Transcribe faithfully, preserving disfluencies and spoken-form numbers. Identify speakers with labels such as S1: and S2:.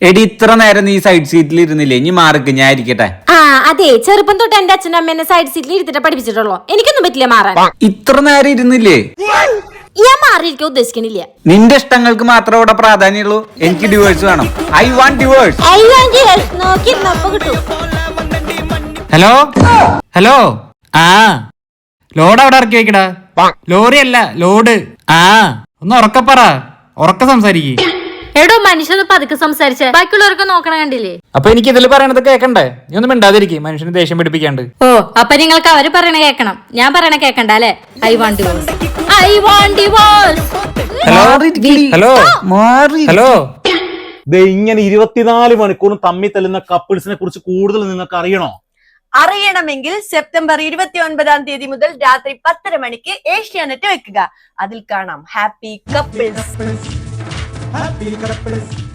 S1: എടി ഇത്ര നേരം നീ സൈഡ് സീറ്റിൽ ഇരുന്നില്ലേ, ഇനി മാർക്ക് ഞാൻ ഇരിക്കട്ടെ.
S2: ആ അതെ, ചെറുപ്പം തൊട്ട് എന്റെ അച്ഛനും അമ്മേനെ സൈഡ് സീറ്റിൽ ഇരുത്തിട്ട് പഠിപ്പിച്ചിട്ടുള്ളൂ. എനിക്കൊന്നും പറ്റില്ല മാറാൻ.
S1: ഇത്ര നേരം ഇരുന്നില്ലേ?
S2: ഞാൻ മാറിയിരിക്കാൻ ഉദ്ദേശിക്കണില്ല.
S1: നിന്റെ ഇഷ്ടങ്ങൾക്ക് മാത്രമേ ഇവിടെ പ്രാധാന്യമുള്ളൂ. എനിക്ക് ഡിവോഴ്സ് വേണം. I want divorce.
S2: നോക്കിയിരുന്നപ്പോ കിട്ടും.
S3: ഹലോ ഹലോ ആ ലോഡ് അവിടെ ഇറക്കി വെക്കടാ. ലോറി അല്ല ലോഡ്. ആ ഒന്ന് ഉറക്ക പറ, ഉറക്ക സംസാരിക്കേ.
S2: എടോ മനുഷ്യന് പതുക്കെ സംസാരിച്ച ബാക്കിയുള്ളവരൊക്കെ നോക്കണ കണ്ടില്ലേ?
S3: അപ്പൊ എനിക്ക് ഇതിൽ പറയണത് കേക്കണ്ടേ? നീ ഒന്നും മിണ്ടാതിരിക്കും, മനുഷ്യന് ദേഷ്യം പിടിപ്പിക്കാണ്ട്.
S2: ഓ അപ്പൊ നിങ്ങൾക്ക് അവര് പറയണ കേക്കണം, ഞാൻ പറയണ കേക്കണ്ട അല്ലെ? I want divorce, I want divorce.
S3: Hello hello
S4: ഇങ്ങനെ ഇരുപത്തിനാല് മണിക്കൂറും തമ്മി തല്ലുന്ന കപ്പിൾസിനെ കുറിച്ച് കൂടുതൽ നിങ്ങൾക്ക് അറിയണോ?
S5: അറിയണമെങ്കിൽ സെപ്റ്റംബർ ഇരുപത്തി ഒൻപതാം തീയതി മുതൽ രാത്രി പത്തര മണിക്ക് ഏഷ്യാനെറ്റ് വെക്കുക. അതിൽ കാണാം ഹാപ്പി കപ്പിൾസ്.